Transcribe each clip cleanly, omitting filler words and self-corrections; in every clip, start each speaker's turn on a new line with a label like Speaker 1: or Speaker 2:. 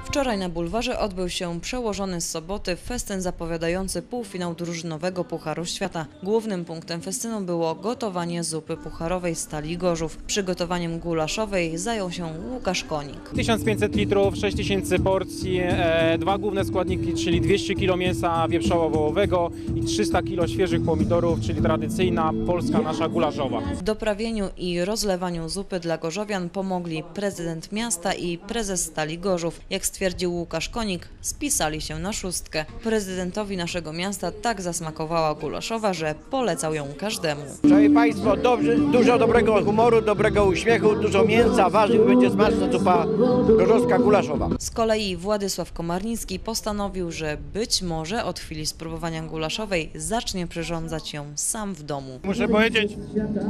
Speaker 1: Wczoraj na bulwarze odbył się przełożony z soboty festyn zapowiadający półfinał drużynowego Pucharu Świata. Głównym punktem festynu było gotowanie zupy pucharowej Stali Gorzów. Przygotowaniem gulaszowej zajął się Łukasz Konik.
Speaker 2: 1500 litrów, 6000 porcji, dwa główne składniki, czyli 200 kg mięsa wieprzowo-wołowego i 300 kg świeżych pomidorów, czyli tradycyjna polska nasza gulaszowa.
Speaker 1: W doprawieniu i rozlewaniu zupy dla gorzowian pomogli prezydent miasta i prezes Stali Gorzów. Jak stwierdził Łukasz Konik, spisali się na szóstkę. Prezydentowi naszego miasta tak zasmakowała gulaszowa, że polecał ją każdemu.
Speaker 3: Szanowni Państwo, dużo dobrego humoru, dobrego uśmiechu, dużo mięsa, warzyw, będzie smaczna zupa gorzowska gulaszowa.
Speaker 1: Z kolei Władysław Komarnicki postanowił, że być może od chwili spróbowania gulaszowej zacznie przyrządzać ją sam w domu.
Speaker 4: Muszę powiedzieć,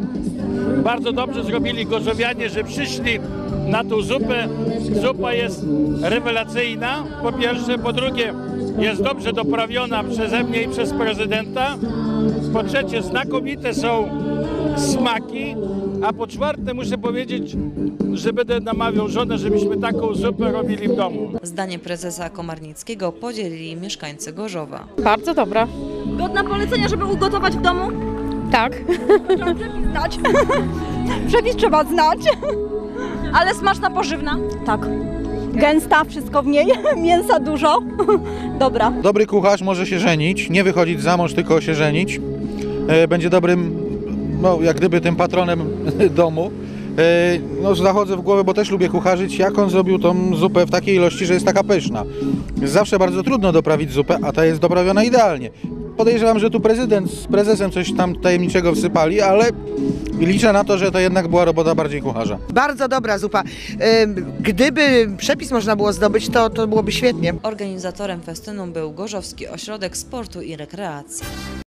Speaker 4: bardzo dobrze zrobili gorzowianie, że przyszli na tą zupę. Zupa jest rewelacyjna, po pierwsze, po drugie jest dobrze doprawiona przeze mnie i przez prezydenta, po trzecie znakomite są smaki, a po czwarte muszę powiedzieć, że będę namawiał żonę, żebyśmy taką zupę robili w domu.
Speaker 1: Zdanie prezesa Komarnickiego podzielili mieszkańcy Gorzowa.
Speaker 5: Bardzo dobra.
Speaker 6: Godna polecenia, żeby ugotować w domu?
Speaker 5: Tak.
Speaker 6: Trzeba przepis znać. Przepis trzeba znać. Ale smaczna, pożywna?
Speaker 5: Tak.
Speaker 6: Gęsta, wszystko w niej, mięsa dużo. Dobra.
Speaker 7: Dobry kucharz może się żenić, nie wychodzić za mąż, tylko się żenić. Będzie dobrym, no jak gdyby tym patronem domu. No zachodzę w głowę, bo też lubię kucharzyć, jak on zrobił tą zupę w takiej ilości, że jest taka pyszna. Jest zawsze bardzo trudno doprawić zupę, a ta jest doprawiona idealnie. Podejrzewam, że tu prezydent z prezesem coś tam tajemniczego wsypali, ale liczę na to, że to jednak była robota bardziej kucharza.
Speaker 8: Bardzo dobra zupa. Gdyby przepis można było zdobyć, to byłoby świetnie.
Speaker 1: Organizatorem festynu był Gorzowski Ośrodek Sportu i Rekreacji.